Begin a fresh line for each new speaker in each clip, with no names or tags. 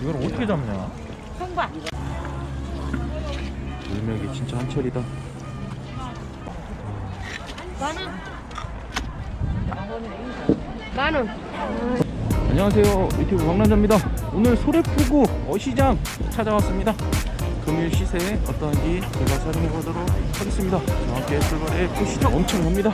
이걸 어떻게 잡냐?
통과.
물맥이 진짜 한철이다.
만원.
안녕하세요, 유튜브 박남자입니다. 오늘 소래포구 어시장 찾아왔습니다. 금일 시세에 어떠한지 제가 촬영해 보도록 하겠습니다. 저와 함께 출발해 보시죠. 엄청납니다.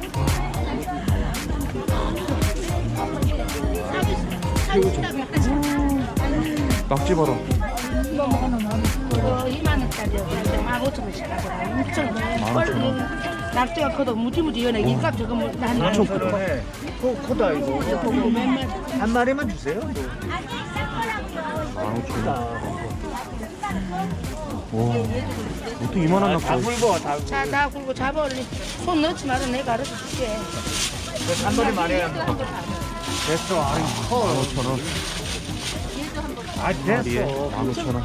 낙지 봐라.
이거 2만원짜리요. 15,000원씩 하더라. 엄청
15,000원.
낙지가 커도 무지무지 연해. 이값 저거 뭐 난.
엄청 크다.
크다 이거. 한 마리만 주세요.
15,000원. 와, 어떻게 이만한 낙지?
다 굵어 다.
자, 다 굴고 잡아 얼른. 손 넣지 말아. 내가 알아서 줄게.
한 마리 말이야. 됐어. 아이 커.
15,000원.
아
마리에
됐어.
15,000원.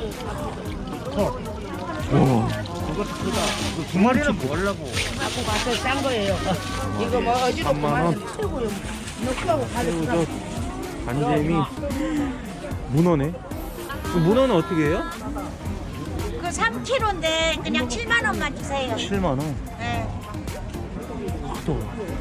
커.
와,
그것도 크다. 두 마리는 뭐 하려고?
갖고 가서 싼 거예요. 이거 뭐 어지럽고
3만 원.
많이 최고요. 넣고 가져가.
새우젓, 간재미, 문어네. 그 문어는 어떻게 해요?
그 3kg인데 그냥 7만 원만 주세요.
7만 원.
네.
크다.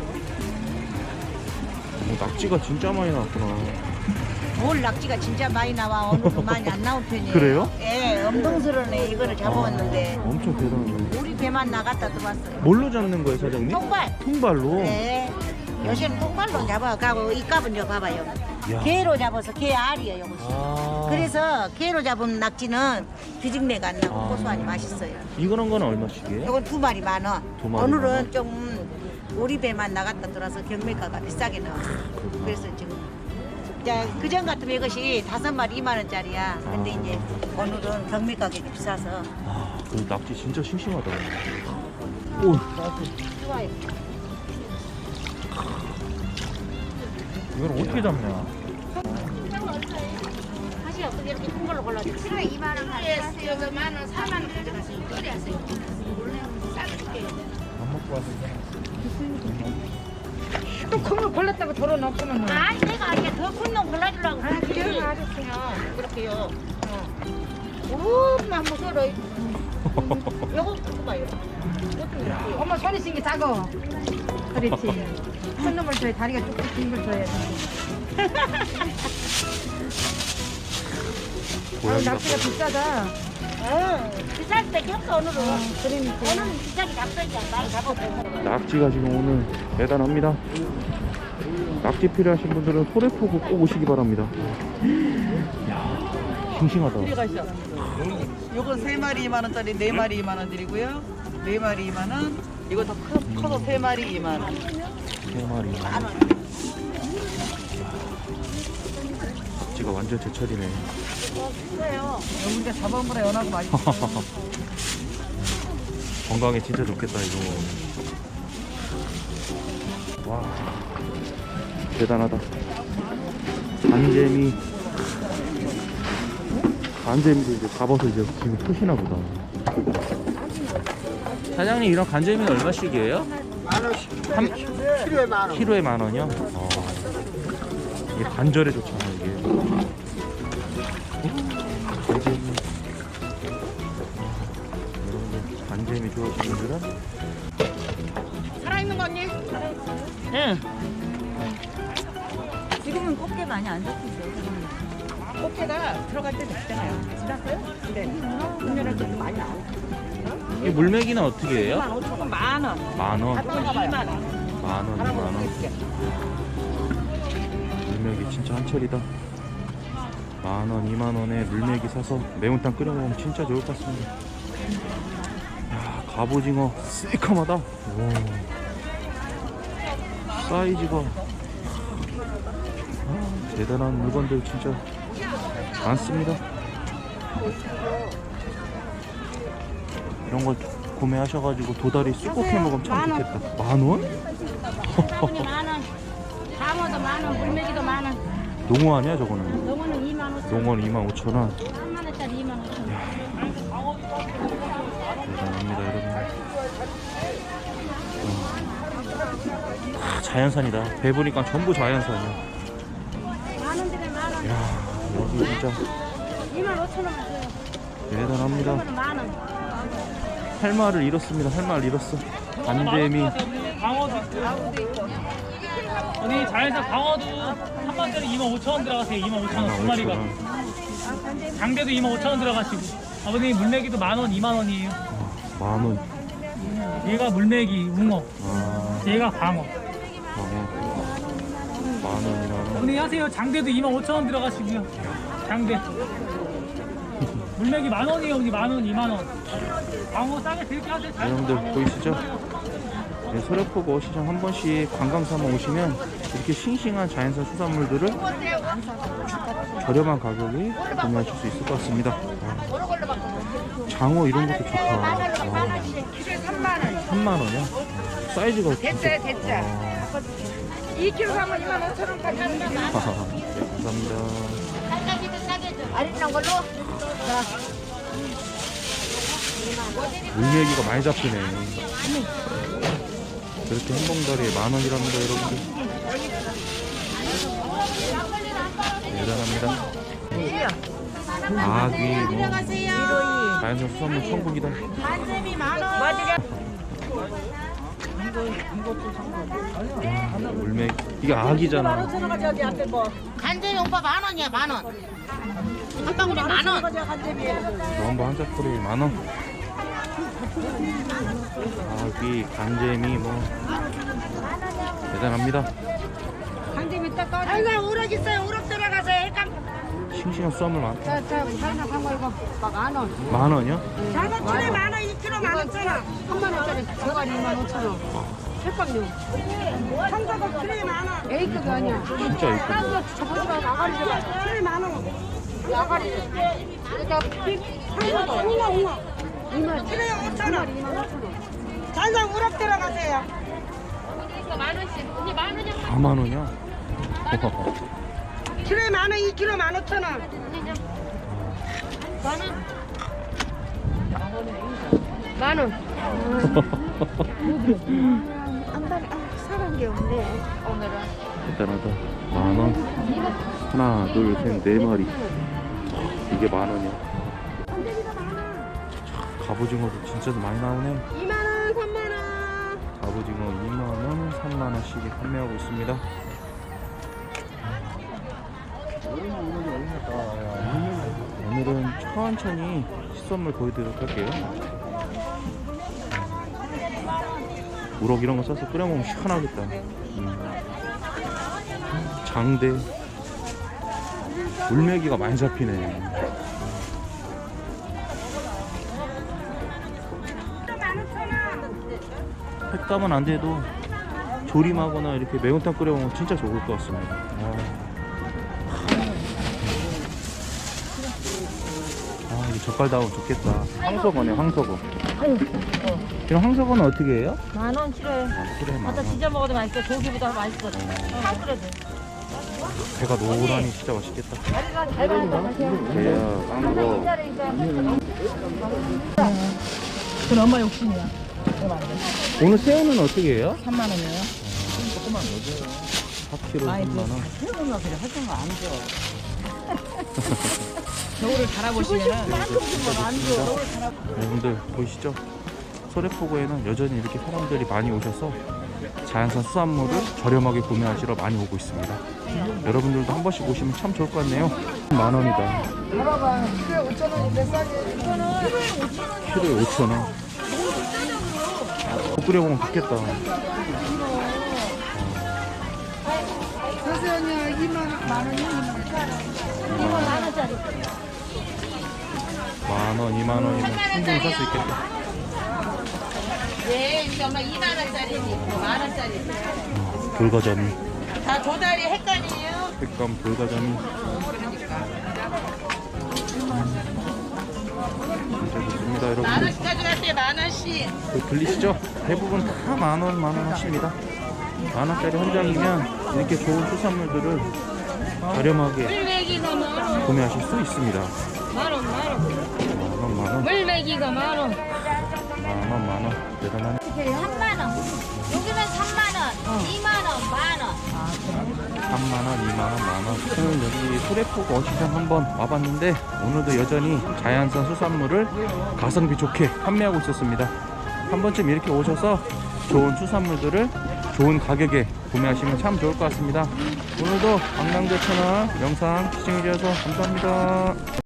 낙지가 진짜 많이 나왔구나.
뭘 낙지가 진짜 많이 나와. 오늘은 많이 안 나온 편이에요.
그래요?
예, 엄동스러네 이거를 잡아왔는데
엄청 대단하네.
우리 배만 나갔다 들어왔어요.
뭘로 잡는 거예요, 사장님?
통발.
통발로?
네. 요새는 통발로 잡아가고 이 값은 저 봐봐요.
야.
게로 잡아서 게 알이에요, 이것이.
아.
그래서 게로 잡은 낙지는 비직내가 안 나고
아.
고소하니 맛있어요.
이거는 건 얼마씩이에요?
이건 2마리 10,000원.
두 마리
오늘은
10,000원?
좀 우리 배만 나갔다 들어와서 경매가가 비싸게 나왔어요.
그렇구나.
그래서 지금 그전 같으면 이것이 5마리 2만 원짜리야. 근데
아.
이제 오늘은 경매 가격이 비싸서
아, 그 낙지 진짜 싱싱하다. 오,
좋아요.
이걸 어떻게 잡냐?
사실 어떻게 이렇게 큰 걸로 골라줘? 키로에 2만 원
키로에 여기 만원, 4만 원 가져가세요. 그래 하세요. 원래 싸줄게요.
안 먹고 와서.
또 큰 거 골랐다고 덜어놓고는.
아니 내가 이게 더 큰 놈 골라주려고
아,
그랬지.
그래요? 알았어요.
그렇게요. 엄마 무서워. 요거 갖고 봐요.
엄마 손이 신게 작어. 그렇지. 큰 놈을 줘야 다리가 쭉쭉 긴 걸 줘야 돼. 아,
고양이가
낙지가 비싸다.
비쌀 수밖에 없어 오늘은.
그러니까.
오늘은 비싸게 잡숴야지 많이 잡아보고.
낙지가 지금 오늘 대단합니다. 낙지 필요하신 분들은 소래포구 꼭 오시기 바랍니다. 이야, 싱싱하다.
요건 3마리 2만원짜리 4마리 2만원 드리고요. 4마리 2만원. 이거 더 커서 3마리 2만원.
3마리. 낙지가 완전 제철이네.
여기가 잡아먹으라 연하고 맛있어.
건강에 진짜 좋겠다 이거. 와, 대단하다. 간재미. 간재미도 이제 잡아서 이제 지금 푸시나 보다. 사장님, 이런 간재미는 얼마씩이에요?
만원씩.
한
키로에 10,000원.
키로에 10,000원이요? 이게 관절에 좋잖아 이게. 간재미. 여러분들 간재미 좋아하시는 분들은
살아있는 거 언니?
응.
지금은 꽃게 많이 안 잡히죠. 꽃게가 들어갈 때 됐잖아요. 지났어요? 네. 분열할 때도 많이 나오고.
이 물메기는 어떻게 해요?
15,000원. 만원.
10,000원.
합치면 2만원.
10,000원, 2만원. 물메기 진짜 한철이다. 10,000원, 2만원에 물메기 사서 매운탕 끓여 먹으면 진짜 좋을 것 같습니다. 야, 갑오징어 새까마다. 와. 사이즈가 대단한 물건들 진짜 많습니다. 이런 걸 구매하셔가지고 도다리 쑥국 해 먹으면 참 좋겠다. 10,000원?
사분이 10,000원. 장어도 10,000원. 물메기도 10,000원.
농어 아니야 저거는?
농어는 25,000원.
농어는 25,000원.
3만원짜리 25,000원.
대단합니다 여러분. 자연산이다. 배보니까 전부 자연산이야.
만원 들에 10,000원.
야, 여기 진짜 대단합니다. 8마를 잃었습니다. 8마를 잃었어. 간재미.
광어도 있고. 언니 자연산 광어도 한 마리짜리 25,000원 들어가세요. 25,000원 두 마리가. 장대도 25,000원 들어가시고. 아버님 물메기도 10,000원, 20,000원이에요.
만원.
얘가 물메기, 웅어. 얘가 광어.
만원이나.
언니 하세요. 장대도 25,000원 들어가시고요. 장대. 물메기 10,000원이에요. 언니 10,000원, 20,000원. 광어 싸게 드릴게 하세요.
여러분들 보이시죠? 네, 소래포구 시장 한 번씩 관광 삼아 오시면 이렇게 싱싱한 자연산 수산물들을 저렴한 가격에 구매하실 수 있을 것 같습니다. 장어 이런 것도 좋다. 3만원이야? 사이즈가
됐어요.
진짜.
2kg 사면 25,000원까지 합니다.
네, 감사합니다.
아리랑 걸로.
물메기가 많이 잡히네. 그렇게 한 봉다리에 10,000원이랍니다, 여러분들. 대단합니다. 아귀, 뭐, 자연산 수산물 천국이다. 물메기. 이게 아기잖아.
간장이 오빠 10,000원이야 10,000원. 한 방울에 10,000원.
전부 한 사풀에 10,000원. 아귀, 간재미, 뭐. 대단합니다.
아이고 우럭 있어요. 우럭 들어가세요.
싱싱한 수산물 많다.
자, 한거 이거 10,000원.
10,000원이요?
장어 7에 10,000원, 2kg 15,000원.
3만원짜리 저가리 25,000원. 핵방류.
청소도 7에 10,000원.
A급이 아니야.
진짜 이쁘다.
저 보지 말고 아가리 좀.
7에 10,000원.
아가리. 그러니까
청소도 웅어.
2만
7에 5,000원.
25,000원.
잔상 우럭 들어가세요.
4만원이야?
7에 10,000원, 2kg 15,000원.
만원.
사는 게 없네.
대단하다. 10,000원. 하나, 둘, 셋, 4마리. 이게 10,000원이야. 갑오징어도 진짜 많이 나오네.
2만원, 3만원.
갑오징어 2만원, 3만원씩에 판매하고 있습니다. 오늘은 천천히 시선물 보여드리도록 할게요. 우럭 이런 거 싸서 끓여 먹으면 시원하겠다. 장대. 물메기가 많이 잡히네. 횟감은 안 돼도 조림하거나 이렇게 매운탕 끓여 먹으면 진짜 좋을 것 같습니다. 이거 젓갈 나오면 좋겠다. 황석어네, 황석어. 이런 황석어는 어떻게 해요?
10,000원 치료해.
그래,
갖다 지져 먹어도 맛있어. 고기보다 맛있어. 그래도.
배가 노란이 진짜 맛있겠다.
다리가 잘 받았다.
배야, 깡거.
그건 엄마 욕심이야.
오늘 새우는 어떻게 해요?
3만원이에요.
4kg 3만원.
해보면 그래 하던 거안 줘. 겨울을 달아보시면은
여러분들 보이시죠? 소래포구에는 여전히 이렇게 사람들이 많이 오셔서 자연산 수산물을 저렴하게 구매하시러 많이 오고 있습니다. 여러분들도 한 번씩 오시면 참 좋을 것 같네요. 10,000원이다. 키로에 5,000원. 못 끓여 먹으면 좋겠다.
그래서
10,000원, 20,000원이면 충분히 살 수 있겠다.
네, 이제 엄마 2만원짜리니 10,000원짜리.
돌가자미.
다 조다리 헷갈리에요.
색감 돌가자미. 진짜 좋습니다, 여러분들.
10,000원씩 가져가세요. 10,000원씩.
들리시죠? 대부분 다 10,000원 하십니다. 10,000원짜리 한 장이면 이렇게 좋은 수산물들을 저렴하게
물메기가 10,000원.
구매하실 수 있습니다.
10,000원.
10,000원.
물메기가 10,000원.
10,000원. 대단하네.
3만 원. 여기는 3만 원, 2만 원, 만 원.
3만원, 2만원, 만원. 저는 여기 소래포구 어시장 한번 와봤는데 오늘도 여전히 자연산 수산물을 가성비 좋게 판매하고 있었습니다. 한 번쯤 이렇게 오셔서 좋은 수산물들을 좋은 가격에 구매하시면 참 좋을 것 같습니다. 오늘도 강남대 채널 영상 시청해주셔서 감사합니다.